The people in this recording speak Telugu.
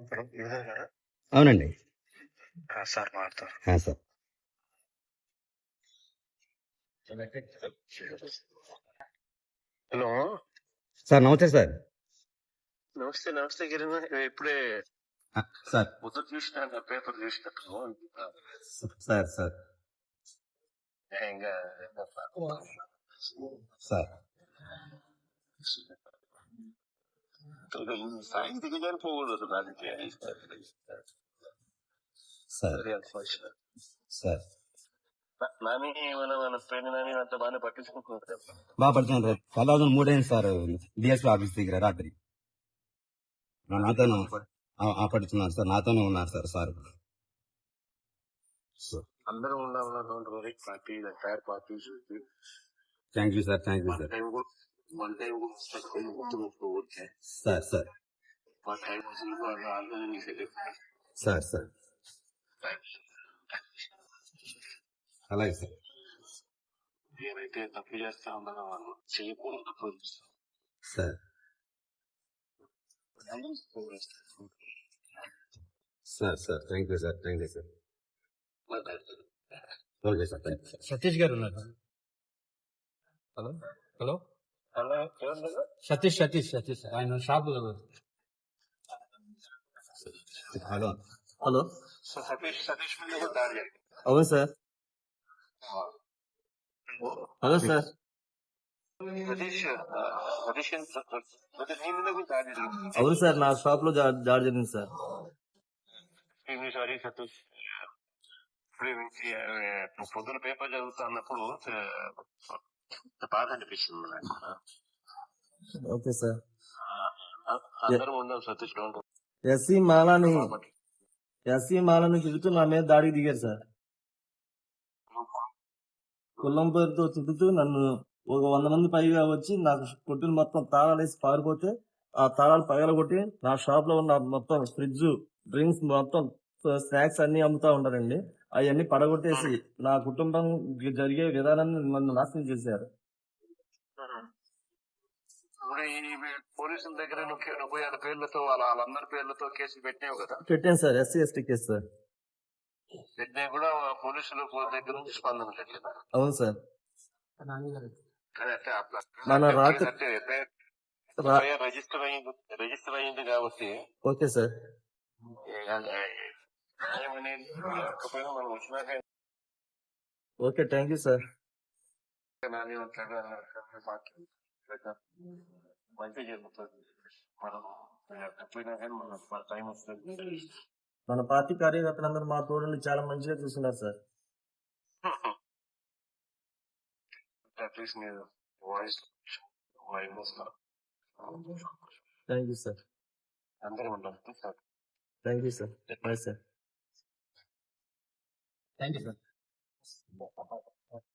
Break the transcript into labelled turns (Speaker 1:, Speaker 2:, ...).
Speaker 1: అవునండి.
Speaker 2: సార్ మాట్లాడతారు.
Speaker 1: సార్.
Speaker 2: హలో
Speaker 1: సార్ నమస్తే సార్.
Speaker 2: నమస్తే నమస్తే గిరిమ, ఇప్పుడే
Speaker 1: సార్
Speaker 2: పొద్దున చూసిన పేపర్ చూసినట్టు
Speaker 1: సార్ సార్
Speaker 2: ఇంకా
Speaker 1: సార్
Speaker 2: సాయంత్రం కానీ పోకూడదు దానికి
Speaker 1: సార్ సార్
Speaker 2: నాని మన ఫ్రెండ్ నాని అంత బాగానే పట్టించుకుంటున్నారు.
Speaker 1: బాగా పడుతున్నాను సార్. 2003 అయింది సార్ డిఎస్పీ ఆఫీస్ దగ్గర రాత్రి. నాతోనే పడుతున్నారు సార్, నాతోనే ఉన్నారు సార్. సార్
Speaker 2: అందరూ ఉండాలి party entire party.
Speaker 1: Thank you sir, thank you sir.
Speaker 2: One time
Speaker 1: sir sir sir sir అలాగే సార్.
Speaker 2: ఏమైతే తప్పు చేస్తా ఉన్నారో వాళ్ళు చేయకూడదు తప్పు
Speaker 1: sir sir sir thank you sir, thank you sir. Okay sir, thank you sir.
Speaker 3: Satish గారు ఉన్నారు. Hello hello
Speaker 2: hello
Speaker 3: Satish Satish Satish ఆయన షాప్.
Speaker 1: హలో హలో
Speaker 2: సతీష్ మీద కూడా దాడి జరిగింది.
Speaker 1: అవును సార్. Hello sir.
Speaker 2: సతీష్ నీ మీద కూడా దాడి జరిగింది.
Speaker 1: అవును సార్, నా షాప్ లో దాడి జరిగింది సార్.
Speaker 2: సారీ సతీష్, ఇప్పుడు పొద్దున పేపర్ చదువుతా అన్నప్పుడు బాధ అనిపిస్తుంది నాకు.
Speaker 1: Okay sir.
Speaker 2: అందరం ఉందాం సతీష్.
Speaker 1: ఎస్సీ మాలని తిరుగుతూ నా మీద దాడికి దిగారు సార్. కుల్లం పేరుతో తిరుగుతూ నన్ను ఒక 100 మంది పైగా వచ్చి నాకు కొట్టుని మొత్తం తాళాలు వేసి పారిపోతే ఆ తాళాలు పగలగొట్టి నా షాప్ లో ఉన్న మొత్తం ఫ్రిడ్జ్, డ్రింక్స్, మొత్తం స్నాక్స్ అన్ని అమ్ముతా ఉంటారండి. అవన్నీ పడగొట్టేసి నా కుటుంబం జరిగే విధానాన్ని నన్ను నాశనం చేశారు.
Speaker 2: పోలీసుల దగ్గర 36 పేర్లతో వాళ్ళందరి పేర్లతో కేసులు పెట్టావు కదా?
Speaker 1: పెట్టాను sir, SC ST case sir.
Speaker 2: పెట్టినా కూడా పోలీసుల దగ్గర నుంచి స్పందన లేదు.
Speaker 1: అవును సార్.
Speaker 2: మన రిజిస్టర్ అయింది కాబట్టి.
Speaker 1: Okay sir.
Speaker 2: మనం వచ్చినాక
Speaker 1: ఓకే, థ్యాంక్ యూ సార్.
Speaker 2: మంచి జరుగుతుంది. మనం తప్పినా కానీ మన టైం వస్తుంది.
Speaker 1: మన పార్టీ కార్యకర్తలందరూ మా తోడుని చాలా మంచిగా చూస్తున్నారు సార్.
Speaker 2: అట్లీస్ట్ మీరు వాయిస్
Speaker 1: థ్యాంక్ యూ సార్.
Speaker 2: అందరూ ఉంటాం sir.
Speaker 1: Thank you sir. Bye sir.
Speaker 3: Thank you sir.